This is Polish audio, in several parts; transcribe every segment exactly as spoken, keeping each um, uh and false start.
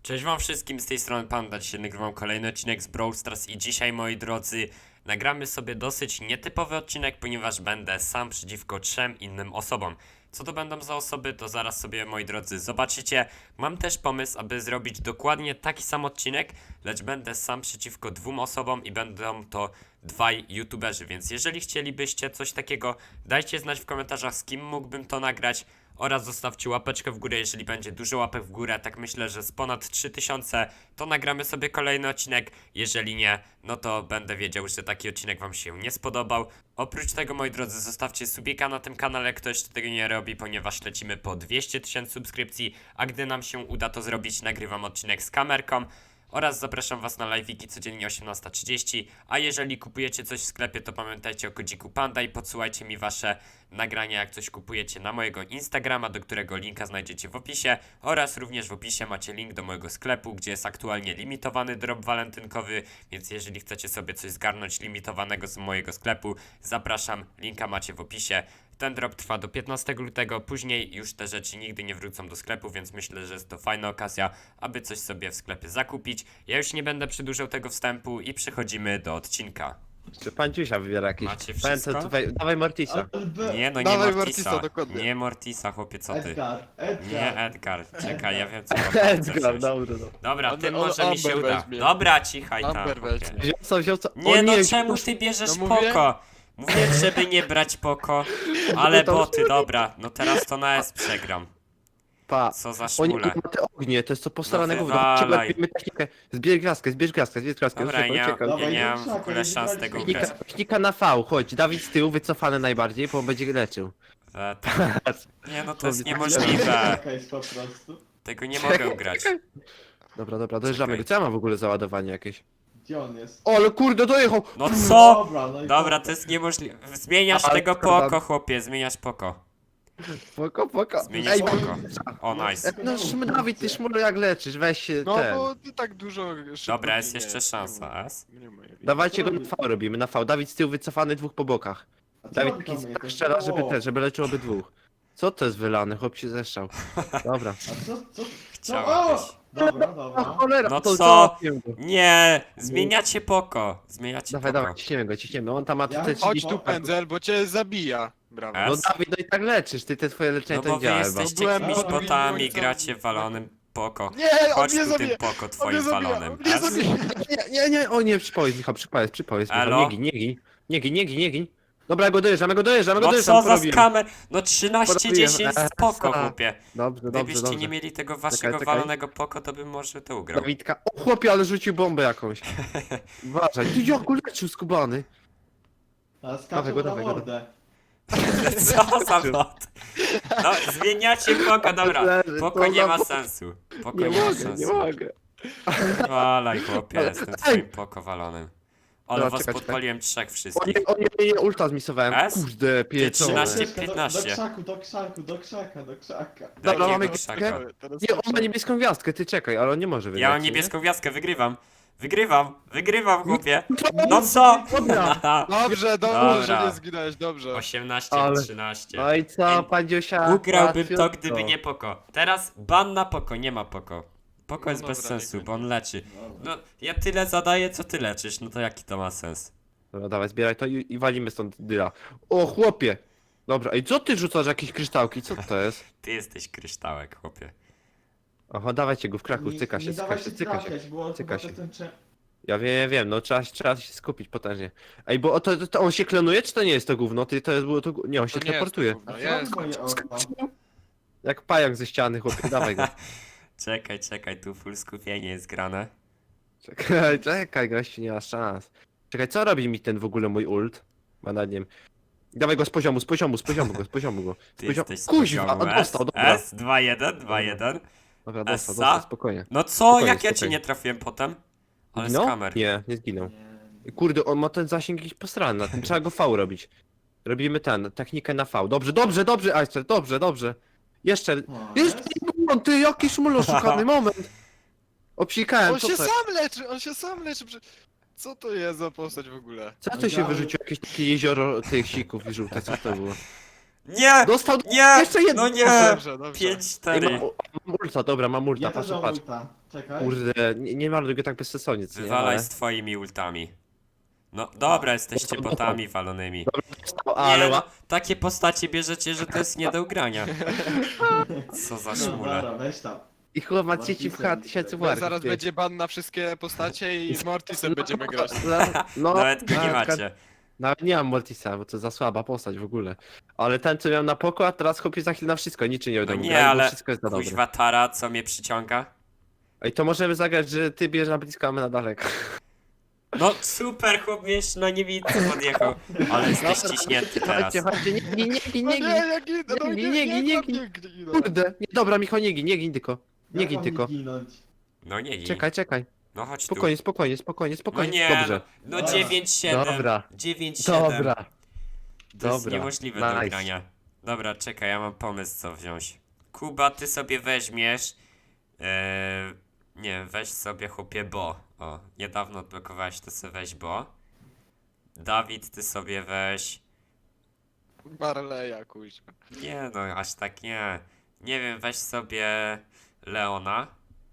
Cześć wam wszystkim, z tej strony Panda. Dzisiaj nagrywam kolejny odcinek z Brawl Stars i dzisiaj, moi drodzy, nagramy sobie dosyć nietypowy odcinek, ponieważ będę sam przeciwko trzem innym osobom. Co to będą za osoby, to zaraz sobie, moi drodzy, zobaczycie. Mam też pomysł, aby zrobić dokładnie taki sam odcinek, lecz będę sam przeciwko dwóm osobom i będą to dwaj youtuberzy, więc jeżeli chcielibyście coś takiego, dajcie znać w komentarzach, z kim mógłbym to nagrać. Oraz zostawcie łapeczkę w górę, jeżeli będzie dużo łapek w górę, tak myślę, że z ponad trzy tysiące, to nagramy sobie kolejny odcinek. Jeżeli nie, no to będę wiedział, że taki odcinek wam się nie spodobał. Oprócz tego, moi drodzy, zostawcie subika na tym kanale, ktoś jeszcze tego nie robi, ponieważ lecimy po dwieście tysięcy subskrypcji, a gdy nam się uda to zrobić, nagrywam odcinek z kamerką. Oraz zapraszam was na live'iki codziennie osiemnasta trzydzieści, a jeżeli kupujecie coś w sklepie, to pamiętajcie o kodziku Panda i podsyłajcie mi wasze nagrania, jak coś kupujecie, na mojego Instagrama, do którego linka znajdziecie w opisie, oraz również w opisie macie link do mojego sklepu, gdzie jest aktualnie limitowany drop walentynkowy, więc jeżeli chcecie sobie coś zgarnąć limitowanego z mojego sklepu, zapraszam, linka macie w opisie. Ten drop trwa do piętnastego lutego, później już te rzeczy nigdy nie wrócą do sklepu, więc myślę, że jest to fajna okazja, aby coś sobie w sklepie zakupić. Ja już nie będę przedłużał tego wstępu i przechodzimy do odcinka. Czy pan Ciusia wybiera jakiś? Macie Pan, wszystko? to tutaj, dawaj Mortisa. Nie, no nie Dawaj Mortisa, Mortisa, dokładnie. nie Mortisa, chłopie, co ty? Edgar, Edgar. Nie Edgar, czekaj, ja wiem co mam Edgar, dobrze, dobrze. Dobra, On- tym on może mi się Amber uda. weźmie. Dobra, cichaj tam. Amber chłopie. weźmie. Wziął co, wziął co? Nie O no, nie, czemu ty bierzesz No mówię. poko? Mówię, żeby nie brać poko, ale to- boty, dobra, no teraz to na S przegram. Pa. Co za O nie, szmule. ma te ognie, to jest to postarane No gówno. wywalaj. Trzeba technikę. Zbierz gwiazdkę, zbierz gwiazdkę, zbierz gwiazdkę. Dobra, ja, uciekaj, ja Dawaj, nie mam w krzaka, ogóle nie szans wybraliśmy. tego Technika, ugrać. technika na V, chodź, Dawid z tyłu, wycofany najbardziej, bo on będzie leczył. E, to- Nie no, to jest Czekaj, niemożliwe. Czekaj, po prostu. Tego nie mogę ugrać. Dobra, dobra, dojeżdżamy Czekaj. go. Co ja mam w ogóle załadowanie jakieś? Gdzie on jest? O, ale kurde, dojechał! No co? Dobra, no i Dobra, po- to jest niemożliwe. Zmieniasz Ale tego szkoda. poko, chłopie, zmieniasz poko. Poko, poko. Zmieniasz Ej, poko. O, nice. no szm, Dawid, ty szmulu jak leczysz, weź się No ten. bo ty tak dużo szybko Dobra, jest ginie. jeszcze szansa, S. Nie ma jej. Dawajcie go na V robimy, na V. Dawid z tyłu wycofany, dwóch po bokach. A co Dawid on taki tam tak jest? strzela, żeby O, ten, żeby leczył obydwóch. Co to jest wylane? Chłop się zeszczał. Dobra. A co, co? co? Chciałbyś. O! Dobra, A dobra. cholera, No to co? załatwiłem go. Nie, zmieniacie poko. Zmieniacie Dawaj, poko. dawaj, ciśniemy go, ciśniemy. On tam ma Ja- te Chodź trzydzieści... tu pędzel, bo cię zabija. Brawo. E? No Dawid, no i tak leczysz, ty te twoje leczenie No to bo nie wy działa chyba. jesteście Byłem jakimiś pod botami, ojcem. gracie w walonym poko. Nie, on Chodź mnie tu tym zabija! poko On mnie twoim zabija! walonym. On mnie S? zabija! Nie, nie, nie, o nie, przypowiedz Michał, przypowiedz, przypowiedz Michał, Elo? nie gin, nie gin. Nie gin, nie gin, nie gin. Dobra, ja go dojeżdżamy, go dojeżdżamy, go No dojeżdżam, co za porobiłem. skamer? No trzynaście dziesięć Porobiłem. spoko, Esa. chłopie. Dobrze, dobrze, Gdybyście dobrze. nie mieli tego waszego czekaj. walonego poko, to bym może to ugrał. Dawidka, o chłopie, ale rzucił bombę jakąś. Uważaj, ty jaku leczył skubany. A Dawaj skaczą go, na dawaj go. mordę. Co za bot? No, zmieniacie poko, dobra. Leży, Poko to nie za ma bot. sensu. Poko Nie nie ma mogę, nie sensu. mogę. Walaj, chłopie, Ale- jestem Ej! twoim poko walonym. Ale Dobra, was czekaj, podpaliłem trzech O wszystkich. nie, o nie, nie, nie, ulta zmisowałem. S? Kurde, pieczone. trzynaście. Ucieczka do- piętnaście. Do krzaku, do krzaku, do krzaka, do krzaka. Dobra, Jakiego mamy krzaka? gwiazdkę. Teraz Nie, on tak ma niebieską gwiazdkę, ty czekaj, ale on nie może wygrać. Ja mam nie? niebieską gwiazdkę, wygrywam. Wygrywam, wygrywam, chłopie. No co? Dobra. Dobrze, dobrze, Dobra. że nie zginąłeś, dobrze. osiemnaście Ale- na trzynaście. No i co, Ej, pan Dziosia? Ugrałbym to, łatwiutko. gdyby nie poko. Teraz ban na poko, nie ma poko. Poko No jest bez dobra, sensu, niech bo on leczy. Dobra. No, ja tyle zadaję, co ty leczysz, no to jaki to ma sens? Dobra, dawaj, zbieraj to i, i walimy stąd dyla. O, chłopie! Dobra, i co ty rzucasz, jakieś kryształki, co to jest? Ty jesteś kryształek, chłopie. Aha, dawajcie go w kraku, Nie- cyka nie się, cyka dawaj się, cyka się. trafiać, bo on cyka chyba się. ten cze- Ja wiem, ja wiem, no trzeba, trzeba się skupić potężnie. Ej, bo o, to, to, to on się klonuje, czy to nie jest to gówno? Ty, to jest, było to, gó- nie, on się To nie jest teleportuje. to gówno, A jest. co on moje oko? Jak pająk ze ściany, chłopie, dawaj go. Czekaj, czekaj, tu full skupienie jest grane. Czekaj, czekaj, gościu, nie ma szans. Czekaj, co robi mi ten w ogóle mój ult? Ma nad nim. Dawaj go z poziomu, z poziomu, z poziomu go, z poziomu go. Z Ty poziomu. jesteś z Kuźwa, poziomu on S, dostał, dobra. S, dwa jeden, dwa jeden. Dobra, dostał, Essa? dostał, spokojnie. No co, Spokojnie, jak ja cię spokojnie. nie trafiłem potem? Ale Zginął? skamer. Nie, nie zginął. Nie. Kurde, on ma ten zasięg jakiś posrany, na tym trzeba go V robić. Robimy ten, technikę na V. Dobrze, dobrze, dobrze, Aister, dobrze, dobrze. Jeszcze, O, jeszcze, jest? ty, jaki szmul oszukany, moment. Obsikałem, On co się to, sam leczy, on się sam leczy. prze- Co to jest za postać w ogóle? co to się wyrzuciło, jakieś takie jezioro tych sików i żółte, co to było? Nie! Dostał Nie! jeszcze jedno. No nie! Dobrze, dobrze. pięć Ej, cztery. mam, mam ulta, dobra, mam ulta, Ja też patrz, mam patrz. ulta. Czekaj. Kurde, nie, nie marnuj go tak bezsensownie, co nie? Wywalaj Ale... z twoimi ultami. No dobra, jesteście botami walonymi. O, ale Nie, no, ła... takie postacie bierzecie, że to jest nie do ugrania. Co za No szmule. dobra, weź tam. I chyba ma dzieci w H tysięcy Bo warów. zaraz będzie ban na wszystkie postacie i z Mortisem będziemy grać. No, Nawet go nie na- macie. Nawet nie mam Mortisa, bo to za słaba postać w ogóle. Ale ten, co miał na poko, a teraz chłopie za chwilę na wszystko, niczym nie No będą nie, grać, bo ale wszystko jest za dobre. kuźwa Tara, co mnie przyciąga? Ej, to możemy zagrać, że ty bierzesz na blisko, a my na daleko. No super, chłop mnie jeszcze na niewidce podjechał. Ale jesteś ciśnięty teraz. Chodźcie, chodźcie, nie gin, nie gin, No nie nie, gin. jak idę, no Nie, nie, nie, nie, nie, nie, nie, nie, nie, nie. Kurde, nie, dobra, Michał, nie gin, nie gin tylko. Nie Jak gin mam tylko. ginąć? No nie, nie. Czekaj, czekaj. No chodź tu. Spokojnie, spokojnie, spokojnie, No spokojnie. nie, Dobrze. no, no Dobra. dziewięć siedem. Dobra. dziewięć siedem. Dobra. To jest Dobra. niemożliwe do Nice. ugrania. Dobra, czekaj, ja mam pomysł co wziąć. Kuba, ty sobie weźmiesz... Eee, nie, weź sobie chłopie Bo. O, niedawno odblokowałeś, to sobie weź Bo. Dawid, ty sobie weź... Marleja, kuźwa. Nie no, aż tak nie. Nie wiem, weź sobie Leona.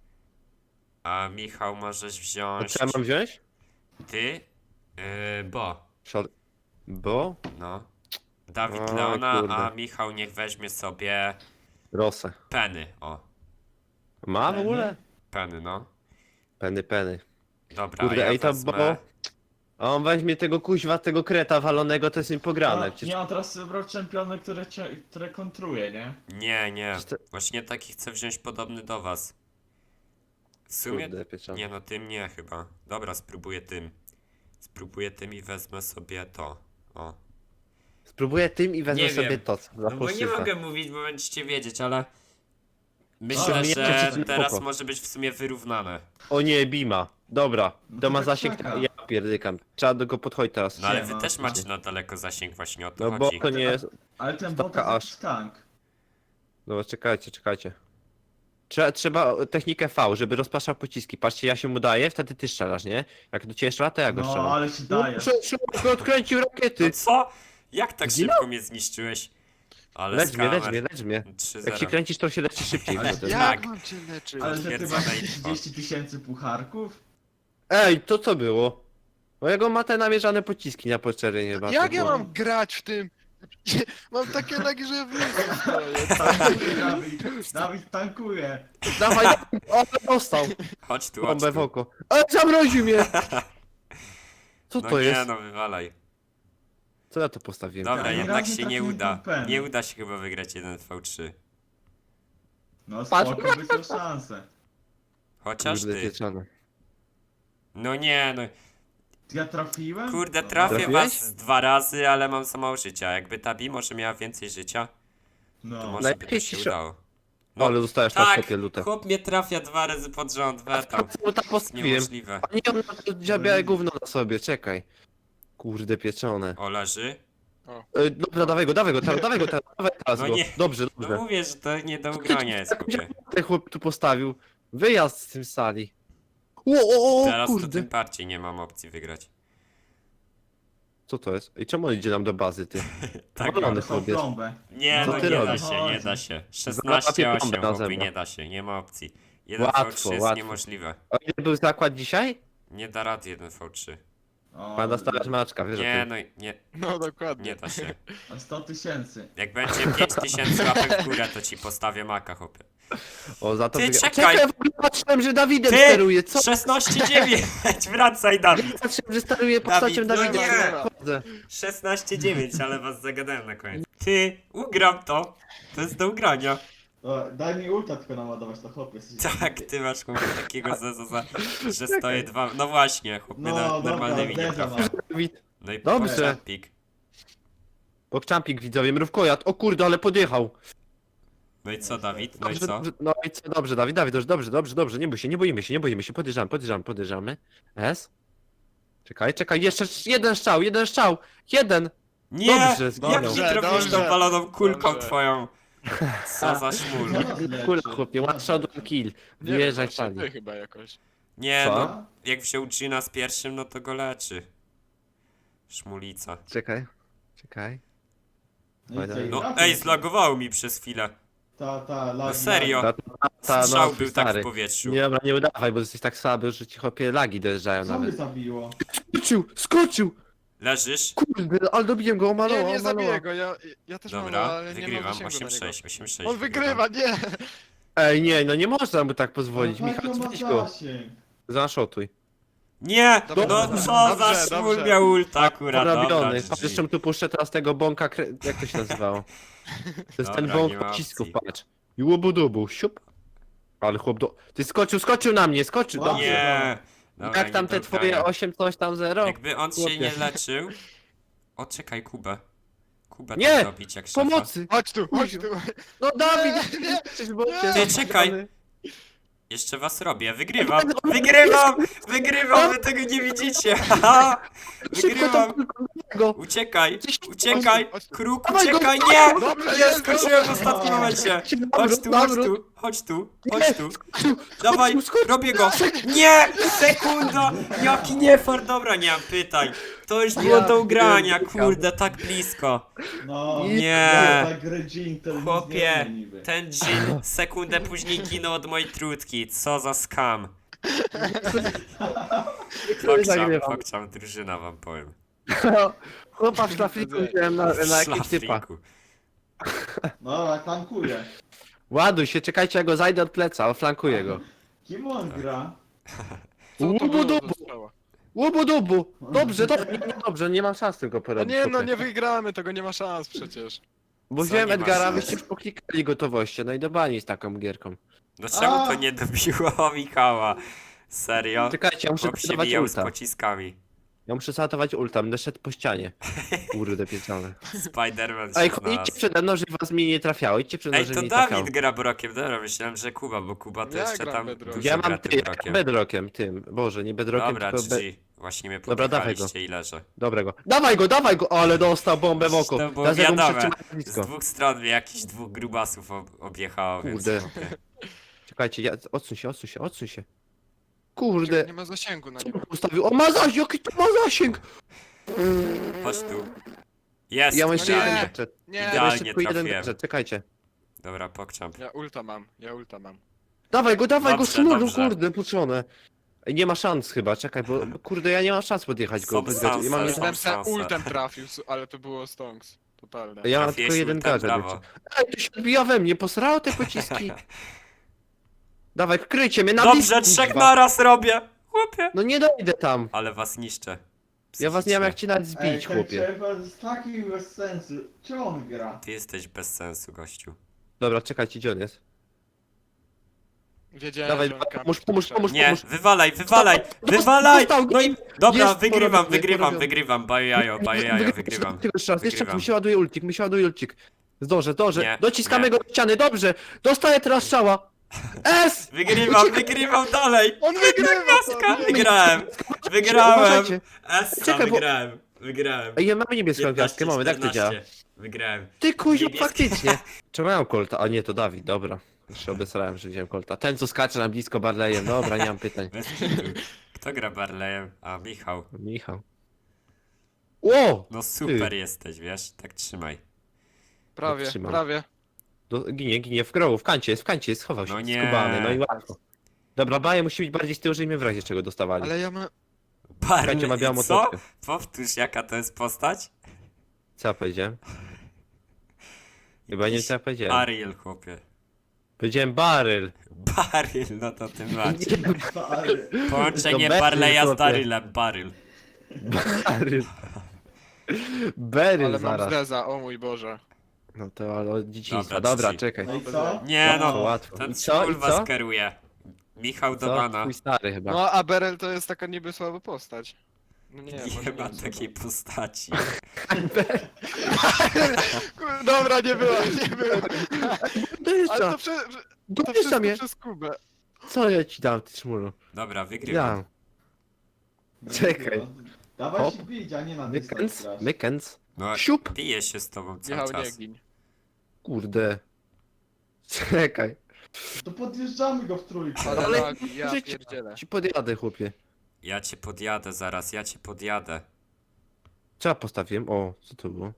A Michał możesz A wziąć... co ja mam wziąć? Ty? Yy, Bo. Szal... Bo? No. Dawid O, Leona, kurde. a Michał niech weźmie sobie Rosę. Penny. O, Ma w ogóle? Penny, no. Peny, peny. Dobra, Kurde, a ja ej, to wezmę... Bo... A on weźmie tego kuźwa, tego kreta walonego, to jest im pograne. A, Przecież... nie, on teraz wybrał czempiony, które, cie- które kontruje, nie? Nie, nie. Przecież to- Właśnie taki chcę wziąć podobny do was. W sumie... Kurde, pieczone. Nie no, tym nie chyba. Dobra, spróbuję tym. Spróbuję tym i wezmę sobie to. O. Spróbuję tym i wezmę Nie sobie wiem. to, co za No bo nie fałszywe. mogę mówić, bo będziecie wiedzieć, ale... Myślę, Dobra, nie że chcecie teraz spoko. może być w sumie wyrównane. O nie, Bima. Dobra, No to to ma tak zasięg, czeka. ja pierdykam. Trzeba do go podchodzić teraz. No ale Nie wy ma, też macie nie. na daleko zasięg, właśnie o to No bo chodzi. to nie jest... Ale ten Stopka bot to aż. jakiś tank. Dobra, czekajcie, czekajcie. Trzeba, trzeba technikę V, żeby rozpraszał pociski. Patrzcie, ja się mu daję, wtedy ty strzelasz, nie? Jak do ciebie strzela, to ja go No, strzelam. ale się daje. No, szybko odkręcił rakiety. No co? Jak tak Zginął? szybko mnie zniszczyłeś? Ale Lecz mnie, lecz skamer. mnie, lecz mnie. trzy Jak się zero. kręcisz, to się leczy szybciej. Ale wtedy. ja- Jak Tak. mam cię leczyć? Ale że ty Potwierdzone masz info. trzydzieści tysięcy pucharków? Ej, to co było? Mojego ma te namierzane pociski na poczernie chyba. Jak to ja było. mam grać w tym? Mam takie lagi, że w miejscu stoję. Tankuje, Dawid. Dawid tankuje. Dawaj, dawaj, o, dostał. Chodź tu, chodź Bombę w tu. oko. Ale zamroził mnie! Co No to nie, jest? no wywalaj. Co ja to postawiłem? Dobra, Ja jednak raczej się tak nie nie uda. kupem. Nie uda się chyba wygrać jeden V trzy. No Patrz. spoko, by to szansę. Chociaż Kurde, ty. pieczone. No nie, no. Ja trafiłem? Kurde, No, trafię Trafiłeś? was z dwa razy, ale mam za mało życia. Jakby ta Bi może miała więcej życia, to No. może by to Najlepiej się ci- udało. No, ale dostajesz na Tak, sobie lutę. chłop mnie trafia dwa razy pod rząd, wetam. Co tam To jest postawiłem? niemożliwe. A nie, on ma to białe gówno na sobie, czekaj. Kurde, pieczone. O, leży? E, dobra, dawaj go, dawaj go, teraz, dawaj go teraz, dawaj teraz No go. nie. Dobrze, No dobrze. mówię, że to nie do ugrania jest, chłopie. Ten chłop tu postawił. Wyjazd z tym sali. O, o, o, Teraz to kurde. tym bardziej nie mam opcji wygrać. Co to jest? I czemu on idzie nam do bazy, ty? Tak, Wolony Dostał chłop jest. plombę. Nie, Co no ty nie da robisz? się, nie da się. Załapie szesnaście plombę osiem, na chłopie, zębach. nie da się, nie ma opcji. jeden Łatwo, V trzy jest łatwo. niemożliwe. A ile był zakład dzisiaj? Nie da rady jeden V trzy. O, Ma dostawać maczka, wiesz Nie, o tym. no nie, No dokładnie. nie da się. o sto tysięcy. Jak będzie pięć tysięcy łapek w górę, to ci postawię maka, chłopie. O, za to Ty, wygra- czekaj! w ogóle patrzyłem, że Dawidem Ty! steruje, co? szesnaście dziewięć! Wracaj, Dawid! Patrzyłem, że steruje postacią Dawid, no Dawida. nie! Chodzę. szesnaście dziewięć, ale was zagadałem na koniec. Ty, ugram to! To jest do ugrania. O, daj mi ulta tylko naładować, to chłopie. Tak, ty masz chłopie takiego zaza, że stoję dwa... No właśnie, chłopie No, na, dobra, normalnymi nie uderzam, trafia. Dawid. No i Dobrze. pik. Pokczampik widzowie, mrówkojad. O kurde, ale podjechał. No i co, Dawid? No i Dobrze, co? dobrze, no i co, dobrze, Dawid, Dawid, dobrze, dobrze, dobrze, dobrze, nie bój się, nie boimy się, nie boimy się, podjeżdżamy, podjeżdżamy, podjeżdżamy. S? Czekaj, czekaj, jeszcze jeden strzał, jeden strzał, jeden! Nie! Dobrze, Jak zginął. nie Dobrze, trafisz tą dobrze. baloną kulką Dobrze. twoją? Co za szmul. Co nas leczy? Kurde, chłopie, one shot, one kill. Nie Wyjeżdżaj wiem, sali. ty chyba jakoś. Nie Co? no, jak wziął Gina z pierwszym, no to go leczy. Szmulica. Czekaj, czekaj. No i co, i No trafił? ej, zlagowało mi przez chwilę. Ta, ta, lagi, No serio? Ta, ta, ta, Strzał no, był tak stary. w powietrzu. Nie dobra, nie udawaj, bo jesteś tak słaby, że ci chłopie lagi dojeżdżają lagi. Co mnie nawet. zabiło? Skoczył, skoczył! Leżysz? Kurde, ale dobiłem go, omalował, Nie, nie omalował. zabiję go, ja, ja też mam, Dobra, ale nie mam wygrywam. zasięgu na osiem niego. sześć, osiem sześć. On wygrywa, nie! Ej, nie, no nie można mu tak pozwolić, Ale Michał, jaki on weź ma go. zasięg? Zaszotuj. Nie! Dobrze, No dobrze, co za dobrze, szmul dobrze. miał ulta akurat, dobra, Porobiony. G Patrz, G. jeszcze mu tu puszczę teraz tego bąka, kre... jak to się nazywało? To jest ten Dobra, bąk nie ma pocisków, opcji. patrz. I łubu-dubu, siup. Ale chłop do... Ty skoczył, skoczył na mnie, skoczył, Wow. dobrze. Nie! Dobra, Jak tam nie te dogaja. twoje osiem coś tam zero? Jakby on się Chłopie. nie leczył... O, czekaj, Kubę. Kubę Nie! tak dobić jak szefa. Pomocy! Chodź tu, chodź tu! No Dawid, nie, jesteś w bocie. Ty, czekaj. Jeszcze was robię, wygrywam! Wygrywam! Wygrywam, wy tego nie widzicie! Haha! Szybko Wygrywam! tam go. Uciekaj! Coś- Uciekaj! chodź tu. Kruk, Dawaj go, uciekaj! Nie! Dobrze, Nie, jest, skoczyłem w ostatnim momencie! Chodź tu, chodź tu, chodź tu, chodź tu! Dawaj, robię go! Nie! Sekunda! Jaki niefart! Dobra, nie mam pytań. To już było do ugrania, kurde, tak blisko. No, Nie. Tak grę Jean, to nic nie Chłopie, umie niby. ten dżin sekundę później ginął od mojej trutki. Co za skam. Pokczam, Zagrywam. pokczam, drużyna wam powiem. Chłopa w szlafliku wziąłem na, na jakiegoś typa. Szlafliku. Dobra, tankuję. Ładuj się, czekajcie, ja go zajdę od pleca, oflankuję go. Kim on gra? Co to było Łubu-dubu, za strzała? łubu-dubu. Dobrze, dobrze, nie, nie, dobrze, nie mam szans tylko No porobić. nie no, chłopie. nie wygramy, tego nie ma szans przecież. Bo Co wziąłem nie ma Edgara, szans? wyście już poklikali gotowości, no i do bani z taką gierką. No czemu to A. nie dobiło Michała? Serio? Czekajcie, ja muszę Chłop się zalotować bijał z ulta. pociskami. Ja muszę zalotować ulta, będę szedł po ścianie. Kurde pieczone. Spiderman Ej, się idźcie znalazł. przede mną, żeby was mi nie trafiało, idźcie przede mną, Ej, żeby to mi nie trafiało. Dawid gra brokiem, dobra, myślałem, że Kuba, bo Kuba to Ja jeszcze gram tam bedrockiem. dużo Ja gra mam tym ty, brokiem. bedrockiem, tym. Boże, nie bedrockiem, Dobra, tylko be... G G. Właśnie mnie Dobra, dawaj popychaliście i leżę. Dobrego. Dawaj go, dawaj go! O, ale dostał bombę w oko. To było Teraz ja go muszę wiadome. trzymać Z blisko. dwóch stron mnie jakichś dwóch grubasów ob objechało, więc... Kurde. Czekajcie, ja... odsuń się, odsuń się, odsuń się. Kurde. Nie ma zasięgu na Co niego. on ustawił? O, ma zasięg, jaki to ma zasięg! Chodź tu. Jest, Ja mam jeszcze nie. jeden idealnie. gadżet. Nie, Ja mam jeszcze Idealnie tylko jeden trafiłem. gadżet, czekajcie. Dobra, pokczam. ja ulta mam, ja ulta mam. Dawaj go, dawaj Dobrze, go, sznurzu, dobrze. kurde, puczone. Ej, nie ma szans chyba, czekaj, bo bo kurde, ja nie mam szans podjechać go Są bez gadżetu. Ja mam, szanse, jeden... są Jestem se szanse. ultem trafił, s- ale to było stonks. Totalne. ja mam Trafiłeś tylko jeden ultem, gadżet. brawo. jeszcze. Ej, to się odbija we mnie, posrało te pociski. Dawaj, kryjcie mnie na Dobrze, blisko, trzech kurwa. naraz robię! Chłopie! No nie dojdę tam. Ale was niszczę. Ja was nie mam jak Psychicznie. cię nawet Ej, zbić, ten chłopie. czerwony jest taki bez sensu. Czy on gra? Ty jesteś bez sensu, gościu. Dobra, czekajcie, gdzie on jest? Wiedziałem, Dawaj, że on pomóż, kampi pomóż, w pomóż, Nie, pomóż. wywalaj, wywalaj! Dostał, Wywalaj! dostał, No i... Dobra, jest wygrywam, porobiony, wygrywam, porobiony. wygrywam. Bajo jajo, bajo jajo, wygrywam. Tylko jeszcze raz, jeszcze raz, Wygrywam. mi się ładuje ulcik, mi się ładuje ulcik. Zdążę, zdążę. Nie, Dociskamy nie. go do ściany, dobrze. Dostaję teraz strzała. S! Wygrywam, wygrywam dalej! On wygrywa! Gwiazdka, to nie. wygrałem! Wygrałem! Uważajcie. Essa, Czekaj, bo- wygrałem, wygrałem. Ej, ja mamy niebieską gwiazdkę, mamy, jak to działa? czternaście. Wygrałem. Ty kuziu, Niebieskie. faktycznie. Czemu ja mam kolta? A nie, to Dawid, dobra. Już się obesrałem, że wziąłem kolta. Ten, co skacze na blisko Barleyem, dobra, nie mam pytań. Bez kitu. Kto gra Barleyem? A, Michał. Michał. Ło! No super jesteś, wiesz? Tak trzymaj. Prawie, Trzymam. prawie. Do, ginie, ginie w grogu, w kancie jest, w kancie jest, schował się, No nie. skubany, no i łatwo. Dobra, baje musi być bardziej z tyłu, żeby mnie w razie czego dostawali. Ale ja mam... Kancie ma białą Barley, co? motockę. Powtórz, jaka to jest postać? Co ja powiedziałem? Chyba nie wiem, co ja powiedziałem. Ariel, chłopie. Powiedziałem baryl. Baryl, no to tym bardziej. Ale... Połączenie To Beryl, Barleya z chłopie. Darylem, Baryl. Baryl. Beryl Ale mam zaraz. zreza, o mój Boże. No to ale od dzieciństwa. Dobra, Dobra, G G. czekaj. No i co? Nie Łatwo, no, łatwo. ten I co, szmul i was co? kieruje. Michał do Co? bana. Twój stary chyba. No a Beryl to jest taka niby słaba postać. No nie, Nie, może ma jest takiej postaci. Kur- Dobra, nie było, nie było. Ale Dojeżdża, to, prze, to dojeżdża wszystko mnie. przez Kubę. Co ja ci dam, ty szmulu? Dobra, wygrywam. Ja. Czekaj. Dawaj Hop. się bić, a nie na dystans Mykens, grasz. mykens. No, Siup. biję się z tobą cały Michał, nie czas. gin. Kurde. Czekaj. To podjeżdżamy go w trójkę. Ale, Ale lagi, ja życie. pierdzielę. Ci podjadę, chłopie. Ja cię podjadę zaraz, ja cię podjadę. Co ja postawiłem? O, co to było?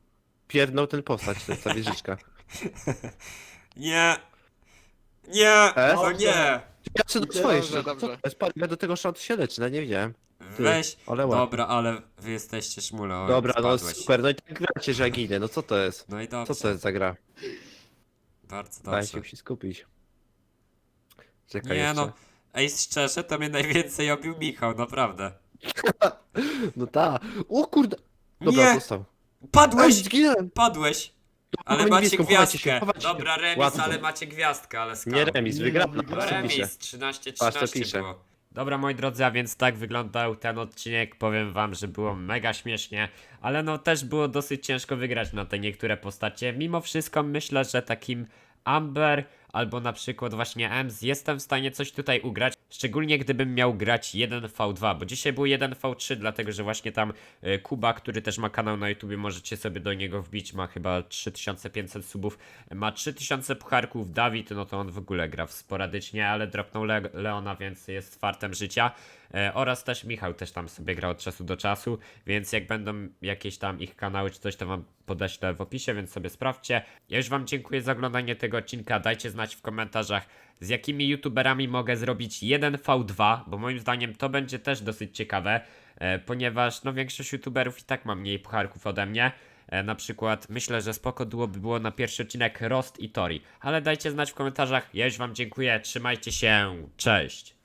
pierdnął ten postać, to jest ta wieżyczka. Nie! Nie! E? O nie! Ja czy do Dobrze, swojej, dobrze, co to dobrze. jest? Patrz, ja do tego szatu się leczę, no nie wiedziałem. Ty, Weź. ale ładnie. Dobra, ale wy jesteście szmule. O, Dobra, no spadłeś. super, no i tak gracie, że ja ginę, no co to jest? No i dobrze. Co to jest za gra? Bardzo Daj dobrze. się musi skupić. Czekaj Nie jeszcze. no. Ej, szczerze, to mnie najwięcej obił Michał, naprawdę. No ta. O kurde. Dobra, Nie! dostał. Ej, Padłeś! zginąłem. Padłeś! Ale Mamy macie niebieską, chowajcie się, gwiazdkę. chowajcie się. Dobra, remis, Łatwo. ale macie gwiazdkę, ale skam. Nie remis, Nie, wygrałem. no, No, wygrałem. co pisze? Remis, trzynaście Patrz, co trzynaście pisze. było. Dobra, moi drodzy, a więc tak wyglądał ten odcinek. Powiem wam, że było mega śmiesznie, ale no też było dosyć ciężko wygrać na te niektóre postacie. Mimo wszystko myślę, że takim Amber albo na przykład właśnie Ems jestem w stanie coś tutaj ugrać. Szczególnie gdybym miał grać jeden V dwa, bo dzisiaj był jeden V trzy, dlatego że właśnie tam y, Kuba, który też ma kanał na YouTubie, możecie sobie do niego wbić, ma chyba trzy tysiące pięćset subów, ma trzy tysiące pucharków. Dawid, no to on w ogóle gra w sporadycznie, ale dropnął Le Leona, więc jest fartem życia. E, oraz też Michał też tam sobie gra od czasu do czasu, więc jak będą jakieś tam ich kanały czy coś, to wam podeślę w opisie, więc sobie sprawdźcie. Ja już wam dziękuję za oglądanie tego odcinka, dajcie znać w komentarzach, z jakimi youtuberami mogę zrobić jeden V dwa, bo moim zdaniem to będzie też dosyć ciekawe, e, ponieważ no większość youtuberów i tak ma mniej pucharków ode mnie. E, na przykład myślę, że spoko duo by było na pierwszy odcinek Rost i Tori, ale dajcie znać w komentarzach, ja już wam dziękuję, trzymajcie się, cześć!